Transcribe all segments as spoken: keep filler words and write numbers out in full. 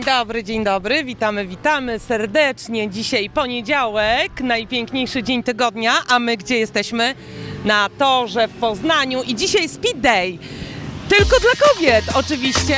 dobry, dzień dobry, witamy, witamy serdecznie. Dzisiaj poniedziałek, najpiękniejszy dzień tygodnia, a my gdzie jesteśmy? Na torze w Poznaniu i dzisiaj Speed Day. Tylko dla kobiet oczywiście.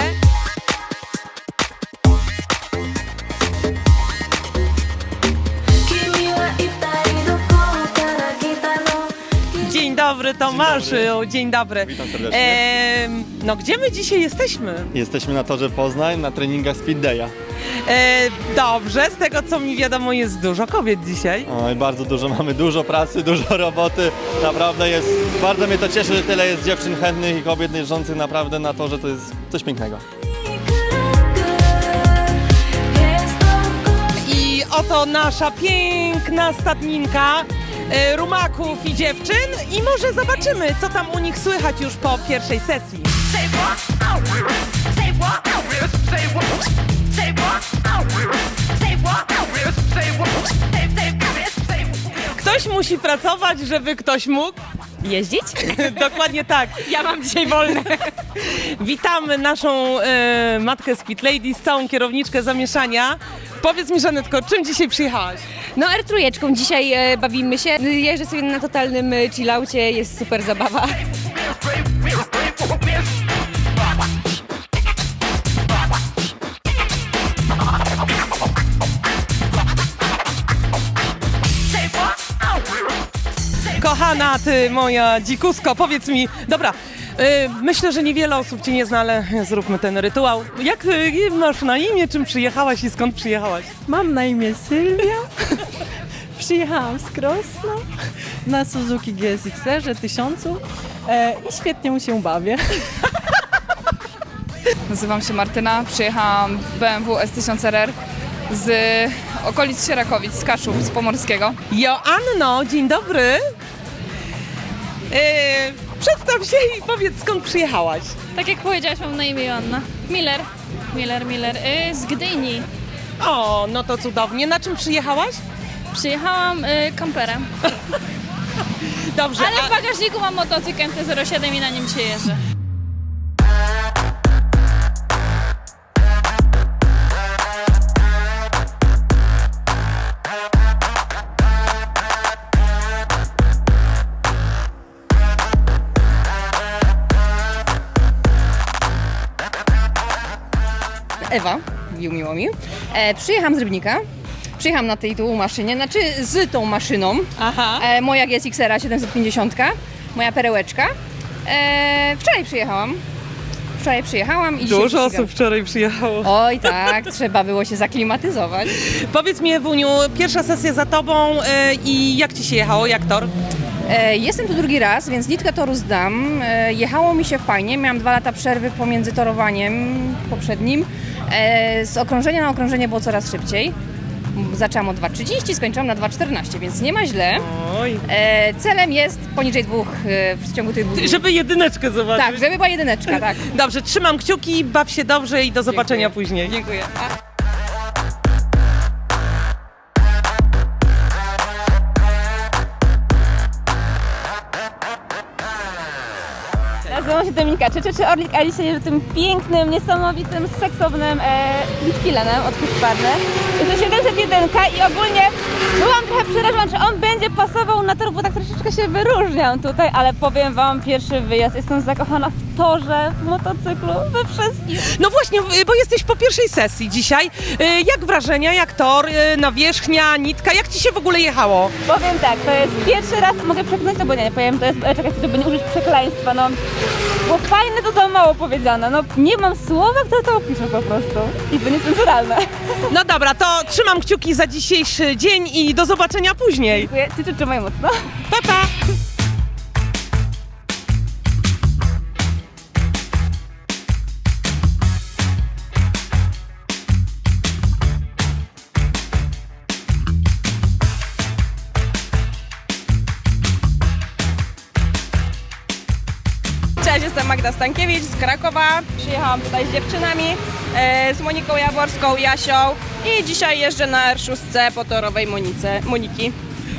Dzień dobry Tomaszu, dzień dobry. Dzień dobry. Witam serdecznie. E, no gdzie my dzisiaj jesteśmy? Jesteśmy na torze Poznań na treningach Speed Day'a. E, dobrze, z tego co mi wiadomo jest dużo kobiet dzisiaj. Oj, bardzo dużo, mamy dużo pracy, dużo roboty. Naprawdę jest, bardzo mnie to cieszy, że tyle jest dziewczyn chętnych i kobiet jeżdżących naprawdę na torze, to jest coś pięknego. I oto nasza piękna stadninka e, rumaków i dziewczyn i może zobaczymy, co tam u nich słychać już po pierwszej sesji. Ktoś musi pracować, żeby ktoś mógł jeździć? Dokładnie tak. Ja mam dzisiaj wolne. Witamy naszą e, matkę Speed Ladies, całą kierowniczkę zamieszania. Powiedz mi, Żanetko, czym dzisiaj przyjechałaś? No er trzy dzisiaj e, bawimy się. Jeżdżę sobie na totalnym e, chillaucie, jest super zabawa. Kochana ty, moja dzikusko, powiedz mi, dobra, y, myślę, że niewiele osób cię nie zna, ale zróbmy ten rytuał. Jak y, masz na imię, czym przyjechałaś i skąd przyjechałaś? Mam na imię Sylwia. Przyjechałam z Krosna na Suzuki G S X R tysiącu e, i świetnie mu się bawię. Nazywam się Martyna, przyjechałam B M W S tysiąc R R z okolic Sierakowic, z Kaszub, z Pomorskiego. Joanno, dzień dobry. Y, przedstaw się i powiedz, skąd przyjechałaś. Tak jak powiedziałaś, mam na imię Joanna. Miller. Miller, Miller. Yy, z Gdyni. O, no to cudownie. Na czym przyjechałaś? Przyjechałam yy, kamperem. Dobrze, Ale a- w bagażniku mam motocykl M T zero siedem i na nim się jeżdżę. Ewa, miło mi. E, przyjechałam z Rybnika. Przyjechałam na tej tu maszynie, znaczy z tą maszyną. Aha. E, moja G S X R siedemset pięćdziesiąt, moja perełeczka. E, wczoraj przyjechałam. Wczoraj przyjechałam i dzisiaj Dużo ścigam. osób wczoraj przyjechało. Oj tak, trzeba było się zaklimatyzować. Powiedz mi, Ewuniu, pierwsza sesja za tobą y, i jak ci się jechało, jak tor? E, jestem tu drugi raz, więc nitkę toru zdam. E, jechało mi się fajnie, miałam dwa lata przerwy pomiędzy torowaniem poprzednim. E, z okrążenia na okrążenie było coraz szybciej. Zaczęłam o dwa trzydzieści, skończyłam na dwa czternaście, więc nie ma źle. Oj. E, celem jest poniżej dwóch e, w ciągu tych dwóch dni. Żeby jedyneczkę zobaczyć. Tak, żeby była jedyneczka, tak. Dobrze, trzymam kciuki, baw się dobrze i do zobaczenia Dziękuję. później. Dziękuję. A. Nazywam się Dominika Czyczy, Orlik, a dzisiaj jeżdżę tym pięknym, niesamowitym, seksownym e, Litfilenem od Husqvarny. Jest to siedemset jeden i ogólnie byłam trochę przerażona, czy on będzie pasował na tor, bo tak troszeczkę się wyróżniam tutaj, ale powiem wam, pierwszy wyjazd, jestem zakochana w torze, w motocyklu, we wszystkim. No właśnie, bo jesteś po pierwszej sesji dzisiaj. Y, Jak wrażenia, jak tor, y, nawierzchnia, nitka, jak ci się w ogóle jechało? Powiem tak, to jest pierwszy raz, mogę przekonać, albo nie, nie powiem, to jest, e, czekaj, żeby nie użyć przekleństwa, no. Bo fajne to za mało powiedziane, no nie mam słowa, które to opiszę po prostu. I to niecenzuralne. No dobra, to trzymam kciuki za dzisiejszy dzień i do zobaczenia później. Dziękuję, ty trzymaj mocno. Pa, pa! Cześć, jestem Magda Stankiewicz z Krakowa. Przyjechałam tutaj z dziewczynami, e, z Moniką Jaworską, Jasią i dzisiaj jeżdżę na R sześć po torowej Monice, Moniki.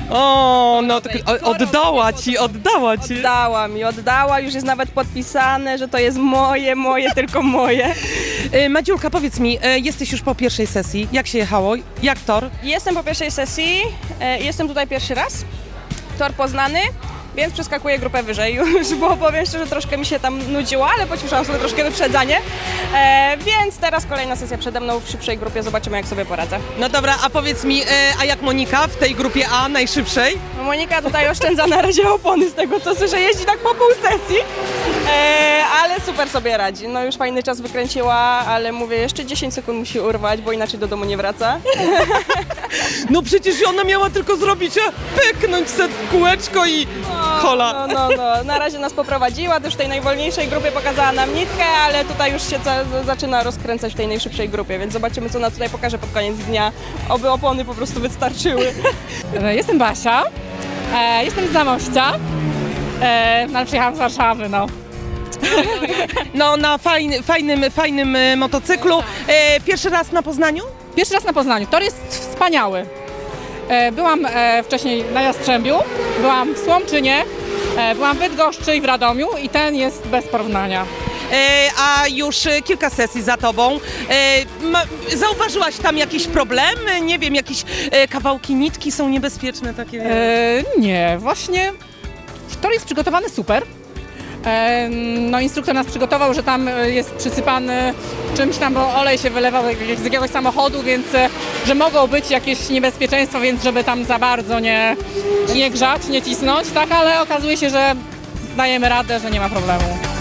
O, no tak, o- oddała ci, oddała ci. Oddała mi, oddała, już jest nawet podpisane, że to jest moje, moje, tylko moje. Y, Madziulka, powiedz mi, y, jesteś już po pierwszej sesji. Jak się jechało? Jak tor? Jestem po pierwszej sesji, e, jestem tutaj pierwszy raz, tor poznany, więc przeskakuję grupę wyżej już, bo powiem szczerze, troszkę mi się tam nudziło, ale pocieszałam sobie troszkę wyprzedzanie, e, więc teraz kolejna sesja przede mną w szybszej grupie, zobaczymy jak sobie poradzę. No dobra, a powiedz mi, y, a jak Monika w tej grupie A, najszybszej? No Monika tutaj oszczędza na razie opony z tego co słyszę, jeździ tak po pół sesji, e, ale super sobie radzi. No już fajny czas wykręciła, ale mówię, jeszcze dziesięć sekund musi urwać, bo inaczej do domu nie wraca. No przecież ona miała tylko zrobić, a pyknąć se kółeczko i hola. No, no, no. Na razie nas poprowadziła, też w tej najwolniejszej grupie pokazała nam nitkę, ale tutaj już się za, zaczyna rozkręcać w tej najszybszej grupie, więc zobaczymy co ona tutaj pokaże pod koniec dnia. Oby opony po prostu wystarczyły. Jestem Basia, e, jestem z Zamościa, e, no, ale przyjechałam z Warszawy, no. No na fajny, fajnym, fajnym y, motocyklu. Y, pierwszy raz na Poznaniu? Pierwszy raz na Poznaniu, tor jest wspaniały. E, byłam e, wcześniej na Jastrzębiu, byłam w Słomczynie, e, byłam w Bydgoszczy i w Radomiu i ten jest bez porównania. E, a już e, kilka sesji za tobą. E, ma, zauważyłaś tam jakieś problemy? Nie wiem, jakieś e, kawałki nitki są niebezpieczne takie? E, nie, właśnie tor jest przygotowany super. E, no instruktor nas przygotował, że tam jest przysypany czymś tam, bo olej się wylewał z jakiegoś samochodu, więc e, że mogą być jakieś niebezpieczeństwa, więc żeby tam za bardzo nie, nie grzać, nie cisnąć, tak, ale okazuje się, że dajemy radę, że nie ma problemu.